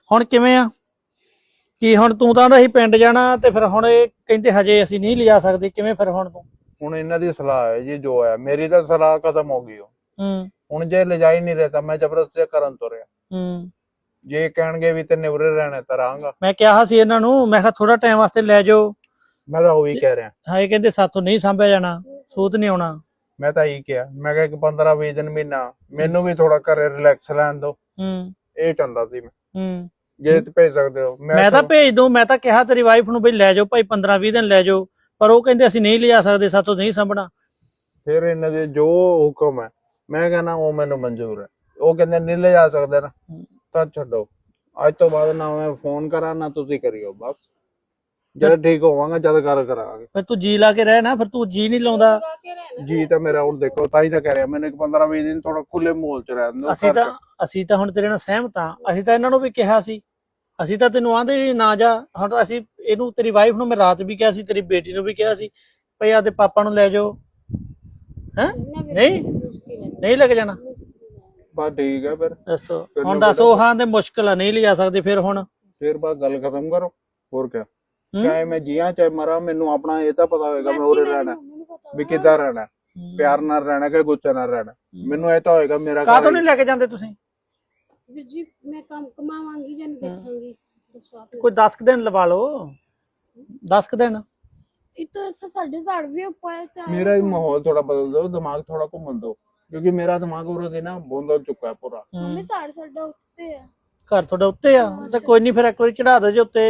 ਹੁਣ ਕਿਵੇਂ ਆ ਕੀ ਹੁਣ ਤੂੰ ਤਾਂ ਆਂਦਾ ਸੀ ਪਿੰਡ ਜਾਣਾ ਤੇ ਫਿਰ ਹੁਣ ਇਹ ਕਹਿੰਦੇ ਹਜੇ ਅਸੀਂ ਨਹੀਂ ਲਿਜਾ ਸਕਦੇ ਕਿਵੇਂ ਫਿਰ ਹੁਣ ਤੂੰ ਹੁਣ ਇਹਨਾਂ ਦੀ ਸਲਾਹ ਹੈ ਜੀ ਜੋ ਹੈ ਮੇਰੀ ਤਾਂ ਸਲਾਹ ਖਤਮ ਹੋ ਗਈ ਹੁਣ ਜੇ ਲਿਜਾ ਹੀ ਨਹੀਂ ਰਿਹਾ ਤਾਂ ਮੈਂ ਜ਼ਬਰਦਸਤੀ ਕਰਨ ਤੁਰਿਆ ਜੇ ਕਹਿਣਗੇ ਵੀ ਤੇ ਨਿਵਰੇ ਰਹਿਣਾ ਤਾਂ ਰਹਾਂਗਾ। ਮੈਂ ਕਿਹਾ ਸੀ ਇਹਨਾਂ ਨੂੰ ਮੈਂ ਕਿਹਾ ਥੋੜਾ ਟਾਈਮ ਵਾਸਤੇ ਲੈ ਜਾਓ ਮੈਂ ਤਾਂ ਉਹੀ ਕਹਿ ਰਿਹਾ ਹਾਂ ਇਹ ਕਹਿੰਦੇ ਸਾਥੋਂ ਨਹੀਂ ਸਾਂਭਿਆ ਜਾਣਾ ਸੂਤ ਨਹੀਂ ਆਉਣਾ। ਮੈਂ ਤਾਂ ਇਹੀ ਕਿਹਾ ਮੈਂ ਕਿਹਾ 15-20 ਦਿਨ ਮਹੀਨਾ ਮੈਨੂੰ ਵੀ ਥੋੜਾ ਘਰੇ ਰਿਲੈਕਸ ਲੈਣ ਦੋ ਇਹ ਚਾਹੁੰਦਾ ਸੀ ਮੈਂ ਜੇ ਤੇ ਭੇਜ ਸਕਦੇ ਹੋ ਮੈਂ ਤਾਂ ਭੇਜ ਦੂੰ। ਮੈਂ ਤਾਂ ਕਿਹਾ ਤੇਰੀ ਵਾਈਫ ਨੂੰ ਬਈ ਲੈ ਜਾਓ ਭਾਈ 15-20 ਦਿਨ ਲੈ ਜਾਓ ਪਰ ਉਹ ਕਹਿੰਦੇ ਅਸੀਂ ਨਹੀਂ ਲਿਜਾ ਸਕਦੇ ਸਾਥੋਂ ਨਹੀਂ ਸਾਂਭਣਾ। ਫਿਰ ਇਹਨਾਂ ਦੇ ਜੋ ਹੁਕਮ ਹੈ ਮੈਂ ਕਹਿੰਦਾ ਉਹ ਮੈਨੂੰ ਮਨਜ਼ੂਰ ਹੈ। ਉਹ ਕਹਿੰਦੇ ਨਹੀਂ ਲੈ ਜਾ ਸਕਦੇ ਨਾ ਤਾਂ ਛੱਡੋ ਅੱਜ ਤੋਂ ਬਾਅਦ ਨਾ ਮੈਂ ਫੋਨ ਕਰਾਂ ਨਾ ਤੁਸੀਂ ਕਰਿਓ ਬਸ ਜਦ ਠੀਕ ਹੋਵਾਂਗਾ ਜਦ ਗੱਲ ਕਰਾਂਗੇ। ਫਿਰ ਤੂੰ ਜੀ ਲਾ ਕੇ ਰਹਿ ਨਾ ਫਿਰ ਤੂੰ ਜੀ ਨਹੀਂ ਲਾਉਂਦਾ ਜੀ ਤਾਂ ਮੇਰਾ ਹੁਣ ਦੇਖੋ ਤਾਂ ਹੀ ਤਾਂ ਕਹਿ ਰਿਹਾ ਮੈਨੂੰ 15-20 ਦਿਨ ਥੋੜਾ ਖੁੱਲੇ ਮਾਹੌਲ ਚ ਰਹਿਣ ਦਿਓ। ਅਸੀਂ ਤਾਂ ਹੁਣ ਤੇਰੇ ਨਾਲ ਸਹਿਮਤ ਹਾਂ। ਅਸੀਂ ਤਾਂ ਇਹਨਾਂ ਨੂੰ ਵੀ ਕਿਹਾ ਸੀ ਅਸੀਂ ਤਾਂ ਤੈਨੂੰ ਆਂਦੇ ਨਾ ਜਾ। ਹੁਣ ਤਾਂ ਅਸੀਂ ਇਹਨੂੰ ਤੇਰੀ ਵਾਈਫ ਨੂੰ ਮੈਂ ਰਾਤ ਵੀ ਕਿਹਾ ਸੀ ਤੇਰੀ ਬੇਟੀ ਨੂੰ ਵੀ ਕਿਹਾ ਸੀ ਭਈ ਆਦੇ ਪਾਪਾ ਨੂੰ ਲੈ ਜਾਓ ਹੈ ਨਹੀਂ ਲੈ ਕੇ ਜਾਣਾ ਬਸ ਠੀਕ ਹੈ ਫਿਰ ਦੱਸੋ ਹੁਣ ਦੱਸੋ ਹਾਂ ਤੇ ਮੁਸ਼ਕਿਲ ਆ ਨਹੀਂ ਲਿਜਾ ਸਕਦੇ ਫਿਰ ਬਸ ਗੱਲ ਖਤਮ ਕਰੋ ਹੋਰ ਕਿਆ ਚਾਹੇ ਮੈਂ ਜੀਆਂ ਚਾਹੇ ਮਰਾਂ ਮੈਨੂੰ ਆਪਣਾ ਇਹ ਤਾਂ ਪਤਾ ਹੋਏਗਾ ਮੈਂ ਉਰੇ ਰਹਿਣਾ ਵੀ ਕਿੱਦਾਂ ਰਹਿਣਾ ਪਿਆਰ ਨਾਲ ਰਹਿਣਾ ਕਿ ਗੁੱਸੇ ਨਾਲ ਰਹਿਣਾ ਮੈਨੂੰ ਇਹ ਤਾਂ ਹੋਏਗਾ ਮੇਰਾ ਕਾਹਤੋਂ ਨਹੀਂ ਲੈ ਕੇ ਜਾਂਦੇ ਤੁਸੀਂ ਵੀਰ ਜੀ ਮੈਂ ਕੰਮ ਕਮਾਵਾਂਗੀ ਜਾਂ ਦੇਖਾਂਗੀ ਕੋਈ 10 ਦਿਨ ਲਵਾ ਲਓ 10 ਦਿਨ ਇਤੋਂ ਸਾਡੇ ਘਰ ਵੀ ਪਾਇਆ ਮੇਰਾ ਵੀ ਮਾਹੌਲ ਥੋੜਾ ਬਦਲ ਦਿਓ ਦਿਮਾਗ ਥੋੜਾ ਘੁੰਮਣ ਦਿਓ ਕਿਉਂਕਿ ਮੇਰਾ ਦਿਮਾਗ ਉਰੇ ਦੇ ਨਾ ਬੋਂਦਲ ਚੁੱਕਾ ਹੈ ਪੂਰਾ। ਮੰਮੀ ਸਾਡਾ ਉੱਤੇ ਆ ਘਰ ਤੁਹਾਡਾ ਉੱਤੇ ਆ ਤਾਂ ਕੋਈ ਨਹੀਂ ਫਿਰ ਇੱਕ ਵਾਰੀ ਚੜਾ ਦਿਓ ਜੇ ਉੱਤੇ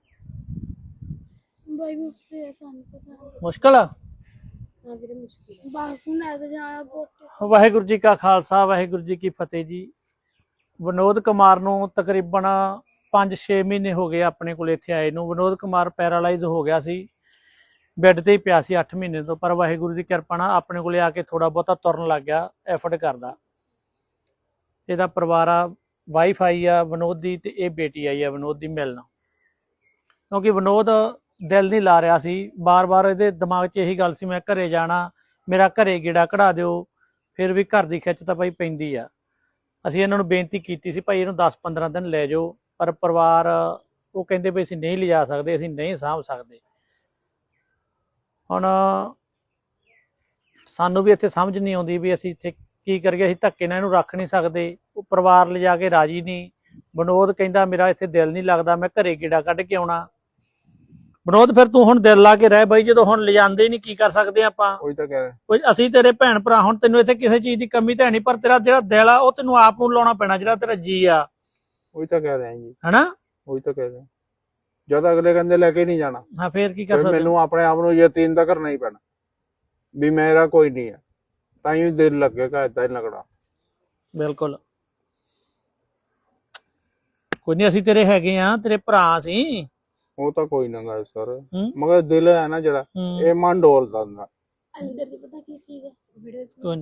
ਬਾਈ ਮੁझसे ਸਾਨੂੰ ਪਤਾ ਮੁਸ਼ਕਲ ਆ ਹਾਂ ਵੀਰੇ ਮੁਸ਼ਕਿਲ ਬਸ ਹੁਣ ਐਸਾ ਜਾਇਆ ਬੋਟ। ਵਾਹਿਗੁਰੂ ਜੀ ਕਾ ਖਾਲਸਾ ਵਾਹਿਗੁਰੂ ਜੀ ਕੀ ਫਤਿਹ ਜੀ। ਵਿਨੋਦ ਕੁਮਾਰ ਨੂੰ ਤਕਰੀਬਨ 5-6 ਮਹੀਨੇ ਹੋ ਗਏ ਆਪਣੇ ਕੋਲ ਇੱਥੇ ਆਏ ਨੂੰ। ਵਿਨੋਦ ਕੁਮਾਰ ਪੈਰਾਲਾਈਜ਼ ਹੋ ਗਿਆ ਸੀ ਬੈੱਡ ਤੇ ਹੀ ਪਿਆ ਸੀ 8 ਮਹੀਨੇ ਤੋਂ ਪਰ ਵਾਹਿਗੁਰੂ ਦੀ ਕਿਰਪਾ ਨਾਲ ਆਪਣੇ ਕੋਲੇ ਆ ਕੇ ਥੋੜਾ ਬਹੁਤਾ ਤੁਰਨ ਲੱਗ ਗਿਆ ਐਫਰਟ ਕਰਦਾ। ਇਹਦਾ ਪਰਿਵਾਰ ਆ ਵਾਈਫ ਆਈ ਆ ਵਿਨੋਦ ਦੀ ਤੇ ਇਹ ਬੇਟੀ ਆਈ ਆ ਵਿਨੋਦ ਦੀ ਮਿਲਣ ਕਿਉਂਕਿ ਵਿਨੋਦ ਦਿਲ ਨਹੀਂ ਲਾ ਰਿਹਾ ਸੀ ਬਾਰ-ਬਾਰ ਇਹਦੇ ਦਿਮਾਗ 'ਚ ਇਹੀ ਗੱਲ ਸੀ ਮੈਂ ਘਰੇ ਜਾਣਾ ਮੇਰਾ ਘਰੇ ਗੇੜਾ ਕਢਾ ਦਿਓ। ਫਿਰ ਵੀ ਘਰ ਦੀ ਖਿੱਚ ਤਾਂ ਭਾਈ ਪੈਂਦੀ ਆ। ਅਸੀਂ ਇਹਨਾਂ ਨੂੰ ਬੇਨਤੀ ਕੀਤੀ ਸੀ ਭਾਈ ਇਹਨੂੰ 10-15 ਦਿਨ ਲੈ ਜਾਓ ਪਰ ਪਰਿਵਾਰ ਉਹ ਕਹਿੰਦੇ ਵੀ ਅਸੀਂ ਨਹੀਂ ਲਿਜਾ ਸਕਦੇ ਅਸੀਂ ਨਹੀਂ ਸਾਂਭ ਸਕਦੇ। ਹੁਣ ਸਾਨੂੰ ਵੀ ਇੱਥੇ ਸਮਝ ਨਹੀਂ ਆਉਂਦੀ ਵੀ ਅਸੀਂ ਇੱਥੇ ਕੀ ਕਰੀਏ। ਅਸੀਂ ਧੱਕੇ ਨਾਲ ਇਹਨੂੰ ਰੱਖ ਨਹੀਂ ਸਕਦੇ ਉਹ ਪਰਿਵਾਰ ਲਿਜਾ ਕੇ ਰਾਜੀ ਨਹੀਂ। ਵਿਨੋਦ ਕਹਿੰਦਾ ਮੇਰਾ ਇੱਥੇ ਦਿਲ ਨਹੀਂ ਲੱਗਦਾ ਮੈਂ ਘਰੇ ਗੇੜਾ ਕੱਢ ਕੇ ਆਉਣਾ। ਵਿਨੋਦ ਫਿਰ ਤੂੰ ਹੁਣ ਦਿਲ ਲਾ ਕੇ ਰਹਿ ਬਾਈ ਜਦੋਂ ਹੁਣ ਲਿਜਾਂਦੇ ਹੀ ਨਹੀਂ ਕੀ ਕਰ ਸਕਦੇ ਆਪਾਂ। ਉਹੀ ਤਾਂ ਕਹਿ ਰਿਹਾ ਕੋਈ ਅਸੀਂ ਤੇਰੇ ਭੈਣ ਭਰਾ ਹੁਣ ਤੈਨੂੰ ਇੱਥੇ ਕਿਸੇ ਚੀਜ਼ ਦੀ ਕਮੀ ਤਾਂ ਨਹੀਂ ਪਰ ਤੇਰਾ ਜਿਹੜਾ ਦਿਲ ਆ ਉਹ ਤੈਨੂੰ ਆਪ ਨੂੰ ਲਾਉਣਾ ਪੈਣਾ ਜਿਹੜਾ ਤੇਰਾ ਜੀ ਆ। ਉਹੀ ਤਾਂ ਕਹਿ ਰਿਹਾ ਜੀ ਹਨਾ ਉਹੀ ਤਾਂ ਕਹਿ ਰਿਹਾ ਜਦ ਅਗਲੇ ਕਹਿੰਦੇ ਲੈ ਕੇ ਨਹੀਂ ਜਾਣਾ ਹਾਂ ਫੇਰ ਕੀ ਕਰ ਸਕਦੇ ਮੈਨੂੰ ਆਪਣੇ ਆਪ ਨੂੰ ਯਕੀਨ ਤਾਂ ਕਰਨਾ ਹੀ ਪੈਣਾ ਵੀ ਮੇਰਾ ਕੋਈ ਨਹੀਂ ਹੈ ਤਾਂ ਹੀ ਦਿਲ ਲੱਗੇਗਾ ਏਦਾਂ ਹੀ ਲੱਗਣਾ। ਬਿਲਕੁਲ ਕੋਈ ਨਹੀਂ ਅਸੀਂ ਤੇਰੇ ਹੈਗੇ ਆ ਤੇਰੇ ਭਰਾ ਸੀ। ਉਹ ਤਾਂ ਕੋਈ ਨਾ ਗੱਲ ਸਰ ਮਗਰ ਦਿਲ ਹੈ ਨਾ ਜਿਹੜਾ ਇਹ ਮਨ ਡੋਲਦਾ ਹੁੰਦਾ ਅੰਦਰ ਦੀ ਪਤਾ ਕੀ ਚੀਜ਼ ਹੈ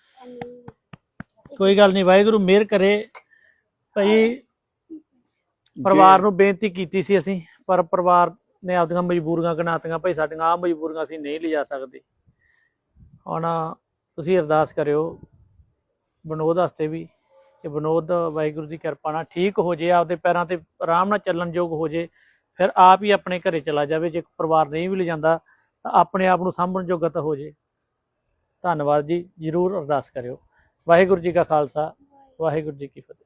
ਕੋਈ ਗੱਲ ਨਹੀਂ ਵਾਹਿਗੁਰੂ ਮਿਹਰ ਕਰੇ ਭਾਈ। ਪਰਿਵਾਰ ਨੂੰ ਬੇਨਤੀ ਕੀਤੀ ਸੀ ਅਸੀਂ ਪਰ ਪਰਿਵਾਰ ਨੇ ਆਪਦੀਆਂ ਮਜਬੂਰੀਆਂ ਗਨਾਤੀਆਂ ਭਾਈ ਸਾਡੀਆਂ ਆਹ ਮਜਬੂਰੀਆਂ ਅਸੀਂ ਨਹੀਂ ਲਿਜਾ ਸਕਦੇ। ਹੁਣ ਤੁਸੀਂ ਅਰਦਾਸ ਕਰਿਓ ਵਿਨੋਦ ਵਾਸਤੇ ਵੀ ਕਿ ਵਿਨੋਦ ਵਾਹਿਗੁਰੂ ਦੀ ਕਿਰਪਾ ਨਾਲ ਠੀਕ ਹੋ ਜੇ ਆਪਦੇ ਪੈਰਾਂ ਤੇ ਆਰਾਮ ਨਾਲ ਚੱਲਣ ਯੋਗ ਹੋ ਜੇ ਫਿਰ ਆਪ ਹੀ ਆਪਣੇ ਘਰੇ ਚਲਾ ਜਾਵੇ। ਜੇ ਪਰਿਵਾਰ ਨਹੀਂ ਵੀ ਲਿਜਾਂਦਾ ਤਾਂ ਆਪਣੇ ਆਪ ਨੂੰ ਸਾਂਭਣ ਜੋਗਾ ਤਾਂ ਹੋ ਜੇ। ਧੰਨਵਾਦ ਜੀ ਜ਼ਰੂਰ ਅਰਦਾਸ ਕਰਿਓ। ਵਾਹਿਗੁਰੂ ਜੀ ਕਾ ਖਾਲਸਾ ਵਾਹਿਗੁਰੂ ਜੀ ਕੀ ਫਤਿਹ।